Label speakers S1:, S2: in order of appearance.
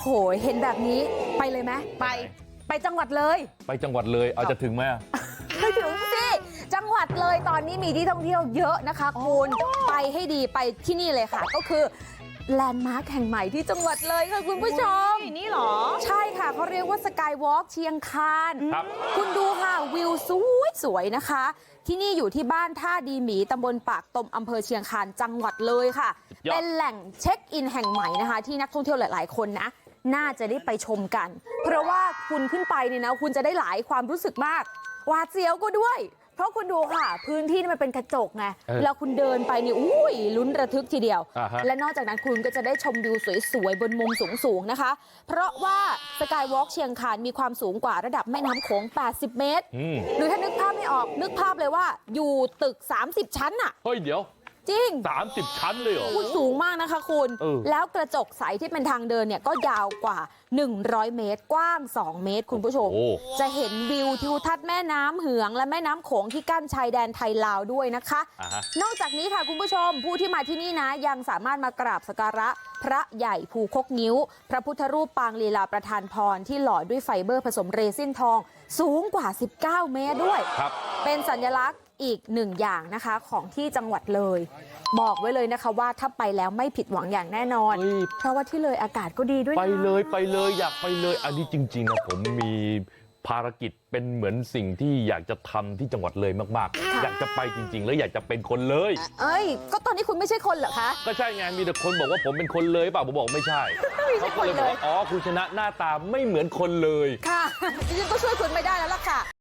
S1: เห็นแบบนี้ไปเลยไหมไปจังหวัดเลย
S2: ไปจังหวัดเลยเอาจะถึงไหม
S1: ไม่ถึงสิจังหวัดเลยตอนนี้มีที่ท่องเที่ยวเยอะนะคะคุณไปให้ดีไปที่นี่เลยค่ะก็คือแลนด์มาร์คแห่งใหม่ที่จังหวัดเลยค่ะคุณผู้ชม
S3: นี่หรอ
S1: ใช่ค่ะเขาเรียกว่าสกายวอล์กเชียงคานคุณดูค่ะวิวสวยๆนะคะที่นี่อยู่ที่บ้านท่าดีหมีตำบลปากตมอำเภอเชียงคานจังหวัดเลยค่ะเป็นแหล่งเช็คอินแห่งใหม่นะคะที่นักท่องเที่ยวหลายๆคนนะน่าจะได้ไปชมกันเพราะว่าคุณขึ้นไปเนี่ยนะคุณจะได้หลายความรู้สึกมากหวาดเสียวก็ด้วยเพราะคุณดูค่ะพื้นที่มันเป็นกระจกไงแล้วคุณเดินไปนี่อุ้ยลุ้นระทึกทีเดียวและนอกจากนั้นคุณก็จะได้ชมวิวสวยๆบนมุมสูงๆนะคะเพราะว่าสกายวอล์กเชียงคานมีความสูงกว่าระดับแม่น้ำโขง80 เมตรหรือถ้านึกภาพไม่ออกนึกภาพเลยว่าอยู่ตึก30 ชั้นน่ะ
S2: เฮ้ยเดี๋ยว
S1: จริง
S2: 30 ชั้นเลยเหรอ
S1: สูงมากนะคะคุณแล้วกระจกใสที่เป็นทางเดินเนี่ยก็ยาวกว่า100 เมตรกว้าง2 เมตรคุณผู้ชมจะเห็นวิวทิวทัศน์แม่น้ำเหืองและแม่น้ำโขงที่กั้นชายแดนไทยลาวด้วยนะคะนอกจากนี้ค่ะคุณผู้ชมผู้ที่มาที่นี่นะยังสามารถมากราบสักการะพระใหญ่ภูคกงิ้วพระพุทธรูปปางลีลาประทานพรที่หล่อด้วยไฟเบอร์ผสมเรซินทองสูงกว่า19 เมตรด้วยเป็นสัญลักษณ์อีกหนึ่งอย่างนะคะของที่จังหวัดเลยบอกไว้เลยนะคะว่าถ้าไปแล้วไม่ผิดหวังอย่างแน่นอนเพราะว่าที่เลยอากาศก็ดีด้วยนะ
S2: ไปเลยอยากไปเลยอันนี้จริงๆนะผมมีภารกิจเป็นเหมือนสิ่งที่อยากจะทำที่จังหวัดเลยมากๆอยากจะไปจริงๆแล้วอยากจะเป็นคนเลย
S1: ก็ตอนนี้คุณไม่ใช่คนเหรอคะ
S2: ก็ใช่ไงมีแต่คนบอกว่าผมเป็นคนเลยเปล่าผมบอกไม่ใช่
S1: เขาก็เลย
S2: บอกว่าอ๋อคุณชนะหน้าตาไม่เหมือนคนเลย
S1: ค่ะดิฉันก็ช่วยคุณไม่ได้แล้วล่ะค่ะ